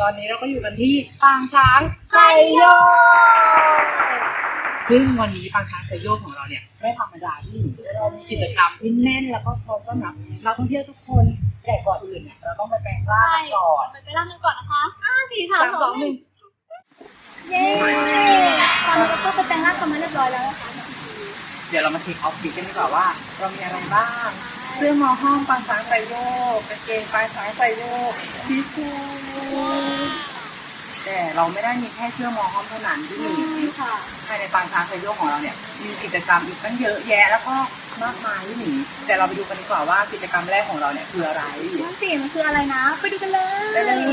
อนนี้เราก็อยู่กันที่ปางช้างไซโยกซึ่งวันนี้ปางช้างไซโยกของเราเนี่ยไม่ธรรมดาที่เรามีกิจกรรมที่แน่นแล้วก็พร้อมต้อนรับนักท่องเที่ยวทุกคนแต่ก่อนอื่นเนี่ยเราต้องไปแปลงร่างก่อนไปร่างกันก่อนนะคะ4 3 2 1เย้ตอนนี้เราก็ไปแปลงร่างกันมาเรียบร้อยแล้วนะคะเดี๋ยวเรามาเช็คออฟฟิศกันดีกว่าว่าเรามีอะไรบ้างเสื้อหมอห้องปางช้างไซโยกกางเกงปางช้างไซโยกทิชชู่แต่เราไม่ได้มีแค่เสื้อหมอห้องเท่านั้นที่มีค่ะภายในปางช้างไซโยกของเราเนี่ยมีกิจกรรมอีกตั้งเยอะแยะแล้วก็มากมายที่หนีแต่เราไปดูกันดีกว่าว่ากิจกรรมแรกของเราเนี่ยคืออะไรนั่นสิมันคืออะไรนะไปดูกันเลยได้เลย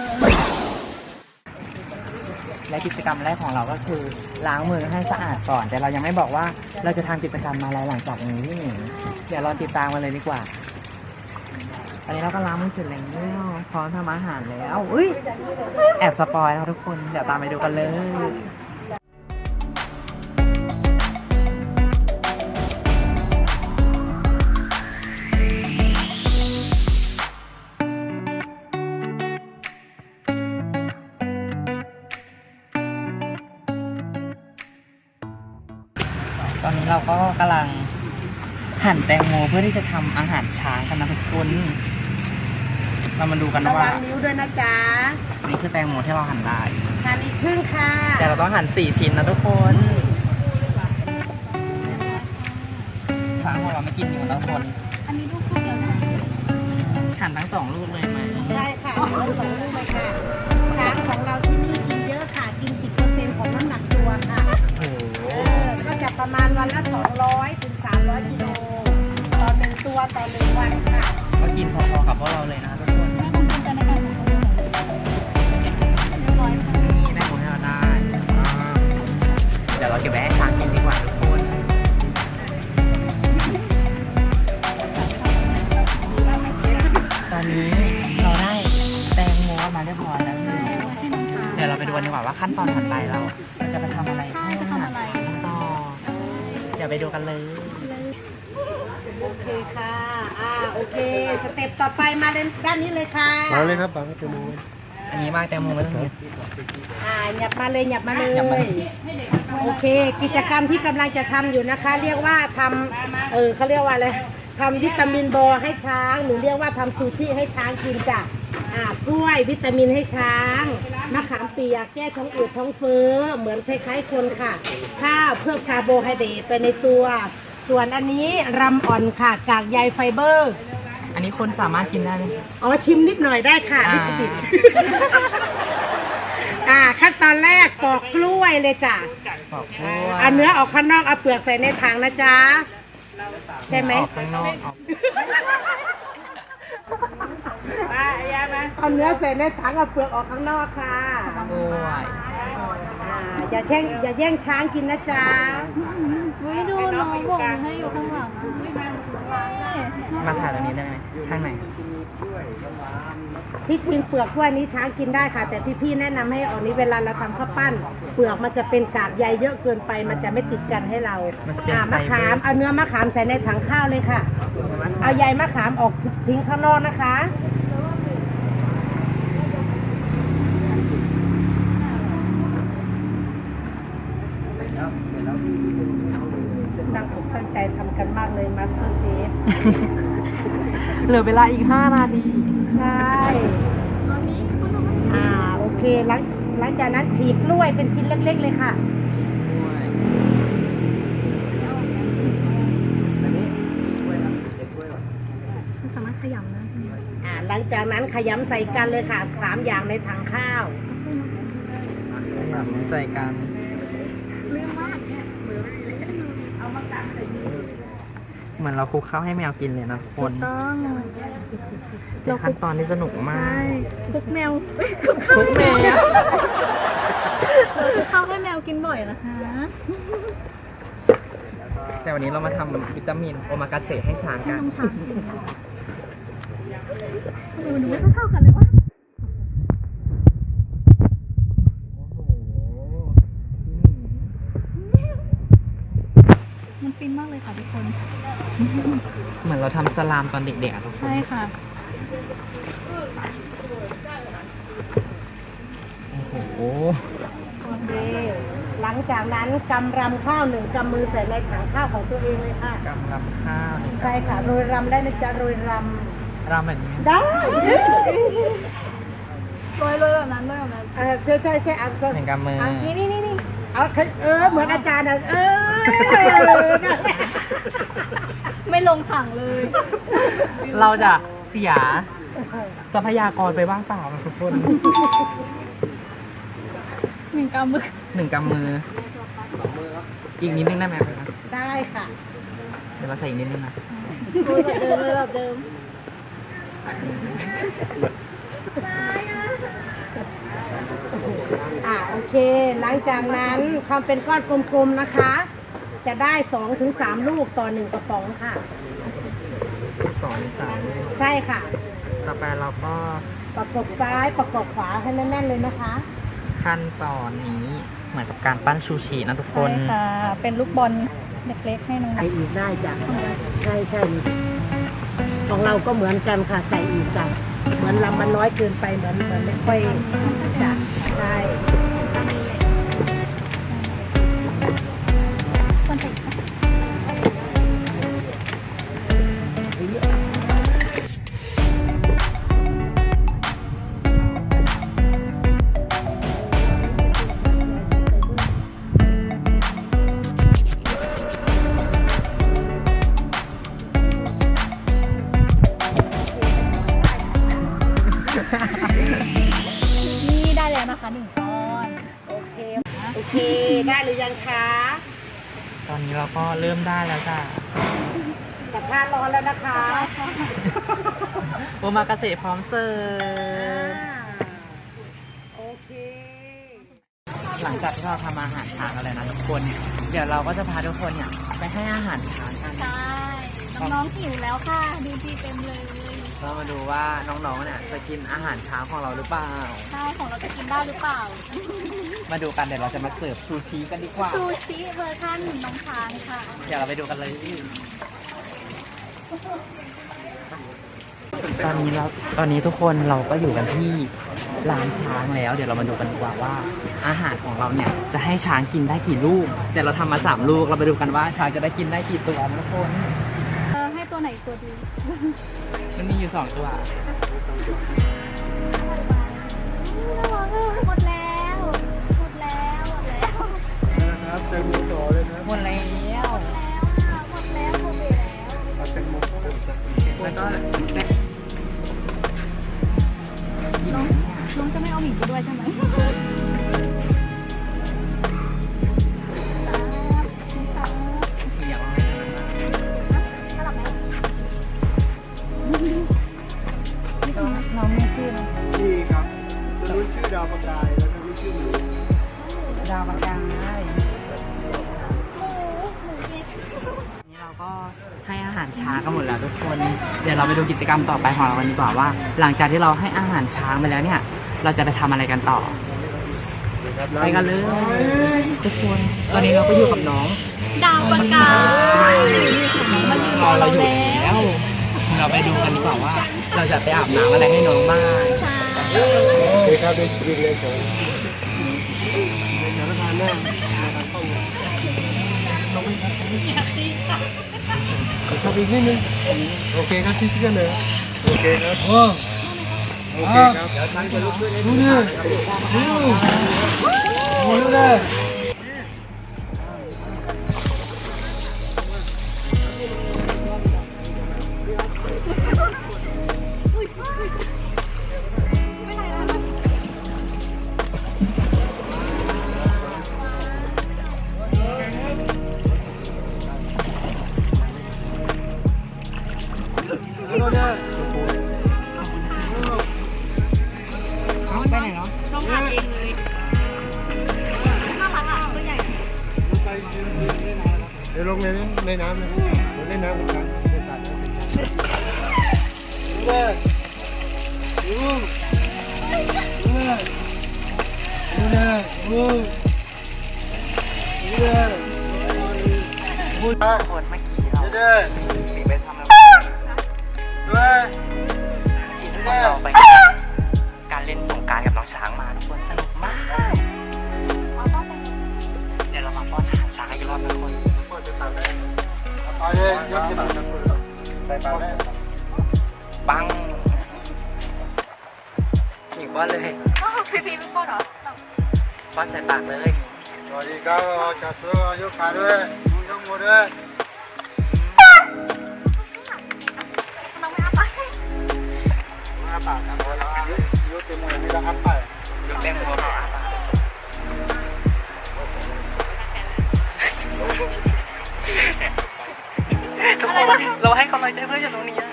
และกิจกรรมแรกของเราก็คือล้างมือให้สะอาดก่อนแต่เรายังไม่บอกว่าเราจะทำกิจกรรมอะไรหลังจากนี้ที่หนีเดี๋ยวเราติดตามมาเลยดีกว่าตอนนี้เราก็ล้างมือเสร็จแล้วพร้อมทำอาหารแล้วอุ้ยแอบสปอยแล้วทุกคนเดี๋ยวตามไปดูกันเลยตอนนี้เราก็กำลังหั่นแตงโมเพื่อที่จะทำอาหารช้างกันนะทุกคนเรามาดูกันว่าระวังนิ้วด้วยนะจ๊ะนี่คือแตงโมที่เราหั่นได้หั่นอีกครึ่งค่ะแต่เราต้องหั่น4 ชิ้นนะทุกคนช้างของเราไม่กินอยู่ทุกคนอันนี้ลูกพูดแล้วนะหั่นทั้ง2 ลูกเลยไหมใช่ค่ะทั้ง2 ลูกเลยค่ะช้างของเราที่นี่กินเยอะค่ะกิน 10% ของน้ำหนักตัวค่ะก็จะประมาณวันละ200 ถึง 300 กิโลต่อ1 ตัวต่อ1 วันค่ะก็กินพอๆกับพวกเราเลยนะทุกคนแม่คงภูมิใจในการของเราเรียบร้อยค่ะนี่ได้ของให้เราได้เดี๋ยวเราเก็บไว้ให้ช้างกินดีกว่าทุกคนตอนนี้เราได้แตงโมมาเรียบร้อยแล้วเดี๋ยวเราไปดูกันดีกว่าว่าขั้นตอนถัดไปเราจะไปทำอะไรให้อาหารช้างต่อเดี๋ยวไปดูกันเลยโอเคค่ะโอเคสเต็ปต่อไปมาด้านนี้เลยค่ะมาเลยครับบางแตงโมอันนี้มากแตงโมไม่ต้องเยอะหยับมาเลยโอเคกิจกรรมที่กำลังจะทำอยู่นะคะเรียกว่าทำเขาเรียกว่าอะไรทำวิตามินบอให้ช้างหรือเรียกว่าทำซูชิให้ช้างกินจ้ะกล้วยวิตามินให้ช้างมะขามเปียกแก้ท้องอืดท้องเฟ้อเหมือนคล้ายๆคนค่ะข้าวเพิ่มคาร์โบไฮเดรตไปในตัวส่วนอันนี้รำอ่อนค่ะกากใยไฟเบอร์อันนี้คนสามารถกินได้ไหมชิมนิดหน่อยได้ค่ะนิดปิดขั้นตอนแรกปอกกล้วยเลยจ้ะปอกกล้วยเอาเนื้อออกข้างนอกเอาเปลือกใส่ในถังนะจ๊ะใช่ไหมออกข้างนอกเอาเนื้อใส่ในถังเอาเปลือกออกข้างนอกค่ะกล้วยอย่าแย่งช้างกินนะจ๊ะดูน้องบอกให้อยู่ข้างหลังมาถ่ายตรงนี้ได้ไหมข้างไหนที่กินเปลือกกล้วยนี้ช้างกินได้ค่ะแต่ที่พี่แนะนำให้ออกนี้เวลาเราทำข้าวปั้นเปลือกมันจะเป็นกากใยเยอะเกินไปมันจะไม่ติดกันให้เรามะขามเอาเนื้อมะขามใส่ในถังข้าวเลยค่ะเอาใยมะขามออกทิ้งข้างนอกนะคะตั้งใจทำกันมากเลยมาสเตอร์เชฟเหลือเวลาอีก5 นาทีใช่โอเคหลังจากนั้นฉีกกล้วยเป็นชิ้นเล็กๆเลยค่ะสามารถขยำนะหลังจากนั้นขยำใส่กันเลยค่ะ3 อย่างในถังข้าวขยำใส่กันเหมือนเราคลุกข้าวให้แมวกินเลยนะทุกคนต้องเป็นขั้นตอนที่สนุกมากคลุกแมวคลุกแมวคลุกข้าวให้แมวกินบ่อยนะคะแต่วันนี้เรามาทำวิตามินโอมากาเสะให้ช้างกันดูไม่เท่ากันเลยวะมันฟินมากเลยค่ะทุกคนเหมือนเราทำสลามตอนเด็กๆทุกคนใช่ค่ะโอ้โหโอเคหลังจากนั้นกำรำข้าวหนึ่งกำมือใส่ในถังข้าวของตัวเองเลยค่ะกำลังข้าวหนึ่งใช่ค่ะโรยรำได้นะจ๊ะโรยรรำแบบนี้ำได้โรยแบบนั้นโรยแบบนั้นใช่ใช่ใช่เอาหนึ่งกำมือนี่เอาเหมือนอาจารย์อ่ะไม่ลงถังเลยเราจะเสียทรัพยากรไปบ้างเปล่าทุกคน 1 กำมือหนึ่งกำมือ อีกนิดนึงได้ไหมครับได้ค่ะเดี๋ยวเราใส่อีกนิดนึงนะโรยแบบเดิมเลยแบบเดิมโอเค หลังจากนั้นทำเป็นก้อนกลมๆนะคะ จะได้2 ถึง 3 ลูกต่อ1 กระป๋องค่ะสองสามใช่ค่ะต่อไปเราก็ประกบซ้ายประกบขวาให้แน่นๆเลยนะคะขั้นตอนนี้เหมือนกับการปั้นชูชีนะทุกคนใช่ค่ะ เป็นลูกบอลเล็กๆให้น้องใส่อีกได้จ้ะใช่ใช่ของเราก็เหมือนกันค่ะใส่อีกจ้ะเหมือนลำมันน้อยเกินไปเหมือนไม่ค่อยจ้ะใช่คนใส่ค่ะ นี่ได้แล้วนะคะ1 ก้อนโอเคได้หรือยังคะตอนนี้เราก็เริ่มได้แล้วจ้ะกระทะร้อนแล้วนะคะโอมากาเสะพร้อมเสิร์ฟโอเคหลังจากที่เราทำอาหารช้างกันแล้วนะทุกคน เดี๋ยวเราก็จะพาทุกคนเนี่ยไปให้อาหารช้างกันใช่ น้องๆหิวแล้วค่ะ ดูดีเต็มเลยเรามาดูว่าน้องๆเนี่ยจะกินอาหารช้างของเราหรือเปล่าใช่ของเราจะกินได้หรือเปล่ามาดูกันเดี๋ยวเราจะมาเสิร์ฟซูชิกันดีกว่าซูชิเวอร์ชันน้องช้างค่ะเดี๋ยวเราไปดูกันเลย ตอนนี้ทุกคนเราก็อยู่กันที่ร้านช้างแล้ว เดี๋ยวเรามาดูกันดีกว่าว่า อาหารของเราเนี่ยจะให้ช้างกินได้กี่ลูก เดี๋ยวเราทำมา3 ลูก เราไปดูกันว่าช้างจะได้กินได้กี่ตัวนะทุกคนให้ตัวไหนตัวดีมันมีอยู่2 ตัวหมดแล้วหมดแล้วหมดแล้วนะครับแตงโมต่อเลยนะหมดแล้วหมดแล้วหมดแล้วเอาแตงโมต่อแล้วก็น้องจะไม่เอาหมิงไปด้วยใช่ไหมสลับไหมน้องไม่ชื่อนี่ครับตัวนู้นชื่อดาวประกายแล้วตัวนี้ชื่อหนูดาวประกายหมูเย็นนี่เราก็ให้อาหารช้างกันหมดแล้วทุกคน เดี๋ยวเราไปดูกิจกรรมต่อไปของเรากันดีกว่าว่า หลังจากที่เราให้อาหารช้างไปแล้วเนี่ย เราจะไปทำอะไรกันต่อ ไปกันเลยทุกคน ตอนนี้เราก็อยู่กับน้องดาวประกายมายืนรอเราอยู่แล้วเราไปดูกันดีกว่าว่า เราจะไปอาบน้ำอะไรให้น้องบ้างใช่โอเคครับเป็นจริงเลยผมในสถานการณ์หน้าทางเข้าเข้าไปอีกนิดนึงโอเคครับที่กันเลยโอเคครับโอเคครับเดี๋ยวทางจะลุกขึ้นให้ดูนะครับดูเลยไปไหนเนาะน้องอาบเองเลยน่ารักอ่ะตัวใหญ่เดี๋ยวลงในน้ำนะลงในน้ำกันครับในสระน้ำเลยดูเลยดูเลยดูเลยดูเลยคนเมื่อกี้เราดูเลยหนีไปทำอะไรดูเลยเราไปการเล่นสงกรานต์กับน้องช้างมาทุกคนสนุกมากยกจะมาใส่ปากได้ปังหญิงป้อนเลยพี่พี่เป็นคนเหรอป้อนใส่ปากเลยสวัสดีครับจัดตัวยกขาด้วยยกมือด้วยน้องไม่เอาไปอ้าปากครับยกเต็มมือนี่แล้วอ้าปากยกแป้งมือเขาอาปากทุกคนเราให้กำลังใจเพื่อนอยู่ตรงนี้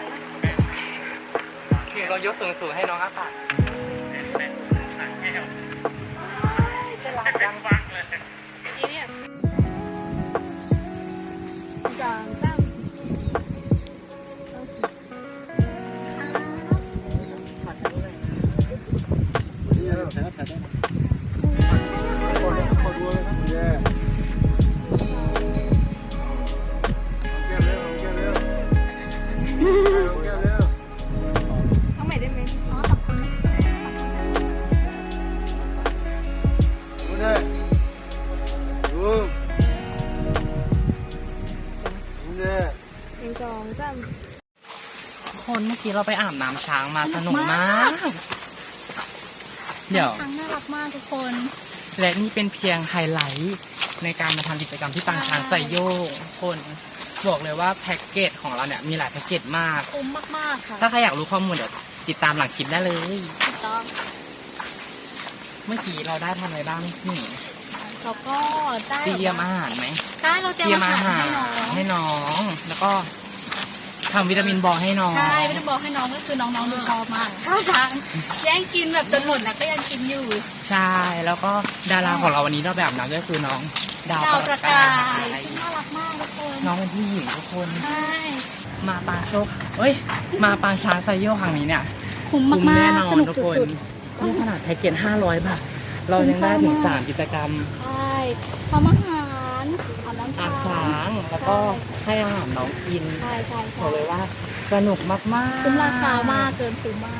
ถึงเรายกสูงๆให้น้องอาปากจะรักจังเอาใหม่ได้ไหมอ๋อขอบคุณคนเมื่อกี้เราไปอาบน้ำช้างมาสนุกมากเดี๋ยวช้างน่ารักมากทุกคนและนี่เป็นเพียงไฮไลท์ในการมาทำกิจกรรมที่ปางช้างไซโยกคนบอกเลยว่าแพ็กเกจของเราเนี่ยมีหลายแพ็กเกจมากคุ้มมากๆค่ะถ้าใครอยากรู้ข้อมูลเดี๋ยวติดตามหลังคลิปได้เลยถูกต้องเมื่อกี้เราได้ทำอะไรบ้างนี่เราก็ได้เตรียมอาหารไหมใช่เราเตรียมอาหารให้น้องแล้วก็ทำวิตามินบอให้น้องใช่ไม่ได้บอกให้น้องก็คือน้องๆดูชอบมากข้าวช้างแย่งกินแบบจนหมดนะก็ยังกินอยู่ใช่แล้วก็ดาราของเราวันนี้เราแบบน้ำก็คือน้องดาวดาวประกายยน่ารักมากทุกคนน้องเป็นผู้หญิงทุกคนใช่มาปางโชคเอ้ยมาปางช้างไซโยกครั้งนี้เนี่ยคุ้มคุ้มมาแน่กนอๆสนนุกทุกคนสุดนี่ขนาดแพ็กเกจ500 บาท เรายังได้ถึง 3 กิจกรรมๆใช่ทำอาหารอาบน้ำอาบช้าช้าง แล้วก็ให้อาหารน้องกินใช่ใช่บใช่อกเลยว่าสนุกมากๆคุ้มราคามากเกินคุ้มมาก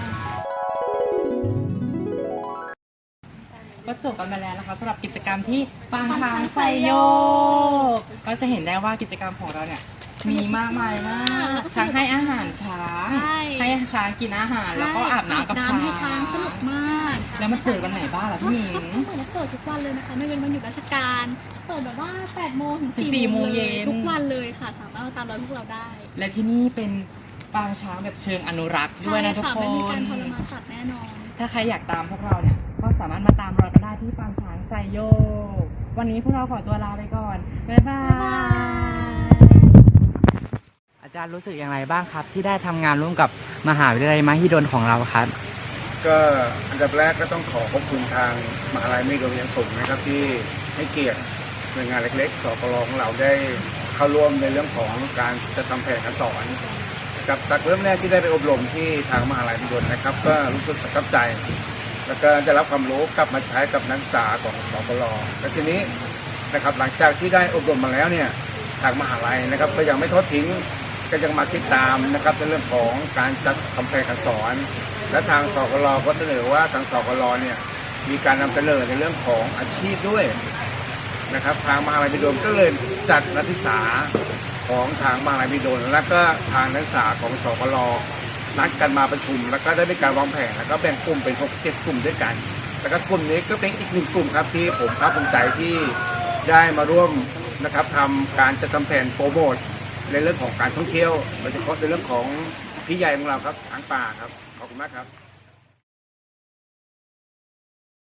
ก็จบกันไปแล้วนะคะสำหรับกิจกรรมที่ปางช้างไซโยกก็จะเห็นได้ว่ากิจกรรมของเราเนี่ยมีมากมายมากทั้งให้อาหารช้างใช่ให้ช้างกินอาหาร แล้วก็อาบน้ำกับช้างให้ช้างสนุกมากแล้วมันเปิดวันไหนบ้างล่ะพี่หมิงเปิดและเปิดทุกวันเลยนะคะไม่เป็นวันหยุดราชการ เปิดแบบว่า8โมงถึง 4 4 โมโมงงเย็เลยนทุกวันเลยค่ะสามารถมาตามรอยพวกเราได้และที่นี่เป็นปางช้างแบบเชิงอนุรักษ์ด้วยนะทุกใช่คไม่มีการนทรมานสัตว์แน่นอนถ้าใครอยากตามพวกเราเนี่ย ก็สามารถมาตามรอยกันได้ที่ปางช้างไซโยก วันนี้พวกเราขอตัวลาไปก่อน บ๊ายบาย อาจารย์รู้สึกอย่างไรบ้างครับ ที่ได้ทำงานร่วมกับมหาวิทยาลัยมหิดลของเราครับก็อันดับแรกก็ต้องขอขอบคุณทางมหาลัยมหิดลอย่างสูงนะครับที่ให้เกียรติหน่วยงานเล็กๆสกลของเราได้เข้าร่วมในเรื่องของการจะทำแผนการสอนนะครับจากเริ่มแรกที่ได้ไปอบรมที่ทางมหาลัยมหิดลนะครับ ก็รู้สึกประทับใจ แล้วก็ได้รับความรู้กลับมาใช้กับนักศึกษาของสกลและทีนี้นะครับหลังจากที่ได้อบรมมาแล้วเนี่ยทางมหาลัยนะครับก็ยังไม่ทอดทิ้งก็ยังมาติดตามนะครับในเรื่องของการจัดทำแผนการสอน และทางสกลก็เสนอว่าทางสกลเนี่ยมีการนำเสนอในเรื่องของอาชีพด้วยนะครับทางมหาลัยมหิดลก็เลยจัดนักศึกษาของทางมหาลัยมหิดลและก็ทางนักศึกษาของสกลนัดกันมาประชุม แล้วก็ได้มีการวางแผนแล้วก็แบ่งกลุ่มเป็น6-7 กลุ่มด้วยกันแล้วก็กลุ่มนี้ก็เป็นอีก1 กลุ่มครับที่ผมภาคภูมิใจที่ได้มาร่วมนะครับทำการจัดทำแผนโปรโมทในเรื่องของการท่องเที่ยวโดยเฉพาะในเรื่องของพี่ใหญ่ของเราครับช้างป่าครับขอบคุณมากครับ